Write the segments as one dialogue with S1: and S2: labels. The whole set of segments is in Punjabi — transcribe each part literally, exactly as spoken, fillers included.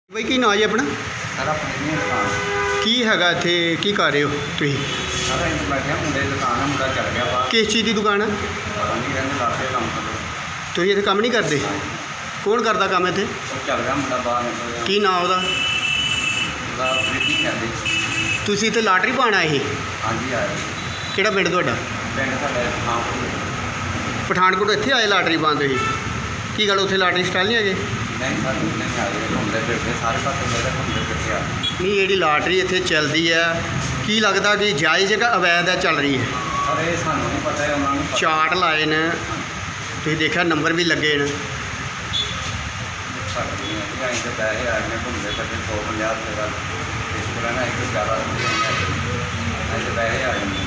S1: ਬਈ ਕੀ ਨਾਂ ਜੀ ਆਪਣਾ?
S2: ਸਰ ਆਪਣੀ ਨਹੀਂ ਦੁਕਾਨ
S1: ਕੀ ਹੈਗਾ ਇੱਥੇ, ਕੀ ਕਰ ਰਹੇ ਹੋ ਤੁਸੀਂ?
S2: ਸਾਰਾ ਇੰਜ ਬੈਠਿਆ ਮੁੰਡੇ ਦੀ ਦੁਕਾਨ ਆ, ਮੁੰਡਾ ਚੱਲ ਗਿਆ ਬਾਹਰ।
S1: ਕਿਸ ਚੀਜ਼ ਦੀ ਦੁਕਾਨ ਹੈ?
S2: ਪਤਾ ਨਹੀਂ ਕਹਿੰਦੇ ਲਾਗੇ ਕੰਮ ਕਰਦੇ।
S1: ਤੁਸੀਂ ਇੱਥੇ ਕੰਮ ਨਹੀਂ ਕਰਦੇ? ਕੌਣ ਕਰਦਾ ਕੰਮ ਇੱਥੇ?
S2: ਉਹ ਚੱਲ ਗਿਆ ਮੁੰਡਾ ਬਾਹਰ ਨਿਕਲ ਗਿਆ।
S1: ਕੀ ਨਾਂ ਉਹਦਾ?
S2: ਉਹਦਾ ਪ੍ਰੀਤੀ ਕਹਿੰਦੇ।
S1: ਤੁਸੀਂ ਇੱਥੇ ਲਾਟਰੀ ਪਾਉਣ ਆਏ ਸੀ?
S2: ਹਾਂਜੀ ਆਇਆ
S1: ਕਿਹੜਾ ਪਿੰਡ ਤੁਹਾਡਾ?
S2: ਪਿੰਡ ਸਾਡਾ ਹਾਂ
S1: ਪਠਾਨਕੋਟ ਇੱਥੇ ਆਏ ਲਾਟਰੀ ਪਾਉਣ ਤੁਸੀਂ? ਕੀ ਗੱਲ ਉੱਥੇ ਲਾਟਰੀ ਸਟਾਲ ਨਹੀਂ ਹੈਗੇ?
S2: ਨਹੀਂ ਸਰ ਨਹੀਂ ਆ ਰਹੇ, ਘੁੰਮਦੇ ਫਿਰਦੇ ਸਾਰੇ ਪਾਸੇ ਮੇਰੇ ਘੁੰਮਦੇ ਫਿਰਦੇ ਆ।
S1: ਨਹੀਂ, ਜਿਹੜੀ ਲਾਟਰੀ ਇੱਥੇ ਚੱਲਦੀ ਹੈ ਕੀ ਲੱਗਦਾ ਕਿ ਜਾਇਜ਼ ਹੈ ਕਿ ਅਵੈਧ ਹੈ ਚੱਲ ਰਹੀ ਹੈ?
S2: ਪਰ ਇਹ ਸਾਨੂੰ ਨਹੀਂ ਪਤਾ ਹੈ, ਉਹਨਾਂ ਨੂੰ ਪਤਾ।
S1: ਚਾਰਟ ਲਾਏ ਨੇ, ਤੁਸੀਂ ਦੇਖਿਆ ਨੰਬਰ ਵੀ ਲੱਗੇ ਨੇ।
S2: ਸਾਡੇ ਨਹੀਂ ਹੈ ਅਸੀਂ ਤਾਂ ਪੈਸੇ ਆਏ ਨੇ ਘੁੰਮਦੇ ਫਿਰਦੇ ਸੌ ਪੰਜਾਹ ਰੁਪਏ ਦਾ ਇਸ ਤਰ੍ਹਾਂ ਨਾ ਇੱਕ ਜ਼ਿਆਦਾ ਨਹੀਂ ਹੈ ਅਸੀਂ ਤਾਂ ਪੈਸੇ ਆਏ ਨੇ।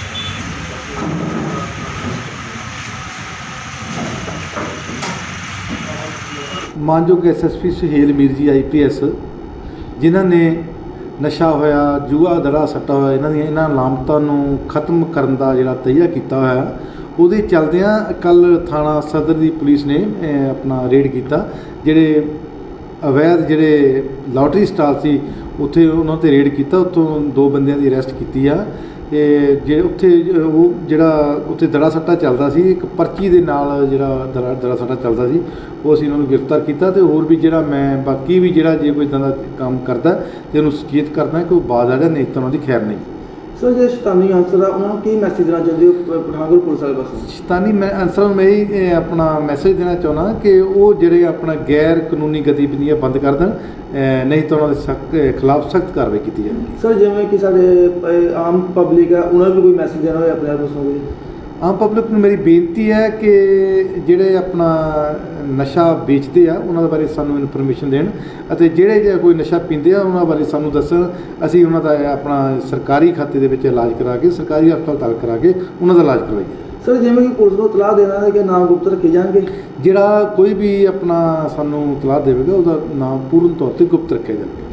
S3: ਮਾਨਯੋਗ S S P Suhail Mir ji I P S, ਜਿਨ੍ਹਾਂ ਨੇ ਨਸ਼ਾ ਹੋਇਆ, ਜੂਆ ਦੜਾ ਸੱਟਾ ਹੋਇਆ, ਇਹਨਾਂ ਦੀਆਂ ਇਹਨਾਂ ਲਾਮਤਾਂ ਨੂੰ ਖਤਮ ਕਰਨ ਦਾ ਜਿਹੜਾ ਤਈਆ ਕੀਤਾ ਹੋਇਆ, ਉਹਦੇ ਚਲਦਿਆਂ ਕੱਲ੍ਹ ਥਾਣਾ ਸਦਰ ਦੀ ਪੁਲਿਸ ਨੇ ਅਹ, ਆਪਣਾ ਰੇਡ ਕੀਤਾ। ਜਿਹੜੇ ਅਵੈਧ ਜਿਹੜੇ ਲਾਟਰੀ ਸਟਾਲ ਸੀ ਉੱਥੇ ਉਹਨਾਂ 'ਤੇ ਰੇਡ ਕੀਤਾ, ਉੱਥੋਂ ਦੋ ਬੰਦਿਆਂ ਦੀ ਅਰੈਸਟ ਕੀਤੀ ਆ। ਅਤੇ ਜੇ ਉੱਥੇ ਉਹ ਜਿਹੜਾ ਉੱਥੇ ਦੜਾ ਸੱਟਾ ਚੱਲਦਾ ਸੀ, ਇੱਕ ਪਰਚੀ ਦੇ ਨਾਲ ਜਿਹੜਾ ਦੜਾ ਦੜਾ ਸੱਟਾ ਚੱਲਦਾ ਸੀ, ਉਹ ਅਸੀਂ ਉਹਨਾਂ ਨੂੰ ਗ੍ਰਿਫਤਾਰ ਕੀਤਾ। ਅਤੇ ਹੋਰ ਵੀ ਜਿਹੜਾ ਮੈਂ ਬਾਕੀ ਵੀ ਜਿਹੜਾ ਜੇ ਕੋਈ ਇੱਦਾਂ ਦਾ ਕੰਮ ਕਰਦਾ ਅਤੇ ਉਹਨੂੰ ਸੁਚੇਤ ਕਰਦਾ ਕਿ ਉਹ ਬਾਜ਼ ਆ ਜਾ, ਨਹੀਂ ਤਾਂ ਉਹਨਾਂ ਦੀ ਖੈਰ ਨਹੀਂ।
S4: ਸਰ ਜਿਹੜੇ ਸ਼ੈਤਾਨੀ ਅਨਸਰ ਆ ਉਹਨਾਂ ਨੂੰ ਕੀ ਮੈਸੇਜ ਦੇਣਾ ਚਾਹੁੰਦੇ ਹੋ ਪ- ਪਠਾਨਕੋਟ ਪੁਲਿਸ ਵਾਲੇ ਪਾਸੋਂ?
S3: ਸ਼ੈਤਾਨੀ ਮੈਂ ਅਨਸਰਾਂ ਨੂੰ ਮੈਂ ਇਹ ਇਹ ਆਪਣਾ ਮੈਸੇਜ ਦੇਣਾ ਚਾਹੁੰਦਾ ਕਿ ਉਹ ਜਿਹੜੇ ਆਪਣਾ ਗੈਰ ਕਾਨੂੰਨੀ ਗਤੀਵਿਧੀਆਂ ਬੰਦ ਕਰ ਦੇਣ, ਅਹ ਨਹੀਂ ਤਾਂ ਉਹਨਾਂ ਦੇ ਸਖਤ ਖਿਲਾਫ ਸਖਤ ਕਾਰਵਾਈ ਕੀਤੀ ਜਾਵੇਗੀ।
S4: ਸਰ ਜਿਵੇਂ ਕਿ ਸਾਡੇ ਅ, ਆਮ ਪਬਲਿਕ ਆ, ਉਹਨਾਂ ਨੂੰ ਵੀ ਕੋਈ ਮੈਸੇਜ ਦੇਣਾ ਹੋਵੇ ਆਪਣੇ ਪਾਸੋਂ ਕੋਈ?
S3: ਆਮ ਪਬਲਿਕ ਨੂੰ ਮੇਰੀ ਬੇਨਤੀ ਹੈ ਕਿ ਜਿਹੜੇ ਆਪਣਾ ਨਸ਼ਾ ਵੇਚਦੇ ਆ ਉਹਨਾਂ ਦੇ ਬਾਰੇ ਸਾਨੂੰ ਇਨਫੋਰਮੇਸ਼ਨ ਦੇਣ, ਅਤੇ ਜਿਹੜੇ ਜੇ ਕੋਈ ਨਸ਼ਾ ਪੀਂਦੇ ਆ ਉਹਨਾਂ ਬਾਰੇ ਸਾਨੂੰ ਦੱਸਣ। ਅਸੀਂ ਉਹਨਾਂ ਦਾ ਆਪਣਾ ਸਰਕਾਰੀ ਖਾਤੇ ਦੇ ਵਿੱਚ ਇਲਾਜ ਕਰਾ ਕੇ, ਸਰਕਾਰੀ ਹਸਪਤਾਲ ਕਰਾ ਕੇ ਉਹਨਾਂ ਦਾ ਇਲਾਜ ਕਰਵਾਈਏ।
S4: ਸਰ ਜਿਵੇਂ ਕਿ ਪੁਲਿਸ ਨੂੰ ਇਤਲਾਹ ਦੇਣਾ ਹੈ ਕਿ ਨਾਮ ਗੁਪਤ ਰੱਖੇ ਜਾਣਗੇ?
S3: ਜਿਹੜਾ ਕੋਈ ਵੀ ਆਪਣਾ ਸਾਨੂੰ ਇਤਲਾਹ ਦੇਵੇਗਾ ਉਹਦਾ ਨਾਮ ਪੂਰਨ ਤੌਰ 'ਤੇ ਗੁਪਤ ਰੱਖਿਆ ਜਾਵੇਗਾ।